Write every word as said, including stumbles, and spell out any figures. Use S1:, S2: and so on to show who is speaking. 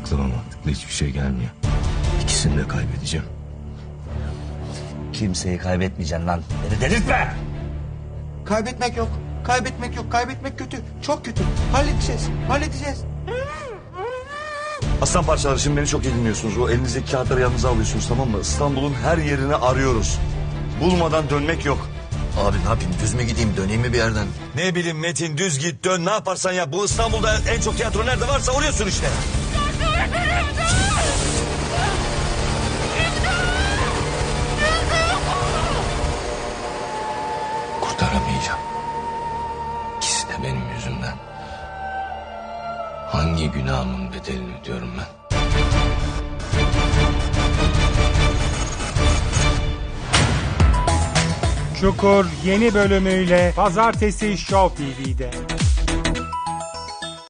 S1: Aklıma mantıklı hiçbir şey gelmiyor. İkisini de kaybedeceğim.
S2: Kimseyi kaybetmeyeceksin lan. Beni delirtme.
S3: Kaybetmek yok. Kaybetmek yok. Kaybetmek kötü. Çok kötü. Halledeceğiz. Halledeceğiz.
S4: Aslan parçaları, şimdi beni çok iyi dinliyorsunuz. O elinizdeki kağıtları yanınıza alıyorsunuz, tamam mı? İstanbul'un her yerini arıyoruz. Bulmadan dönmek yok.
S1: Abi ne yapayım, düz mü gideyim, döneyim mi bir yerden?
S4: Ne bileyim Metin, düz git dön, ne yaparsan yap. Bu İstanbul'da en çok tiyatro nerede varsa oraya sür işte.
S1: Kurtaramayacağım. İkisi de benim yüzümden. Hangi günahımın bedelini ödüyorum ben?
S5: Çukur yeni bölümüyle Pazartesi Show T V'de.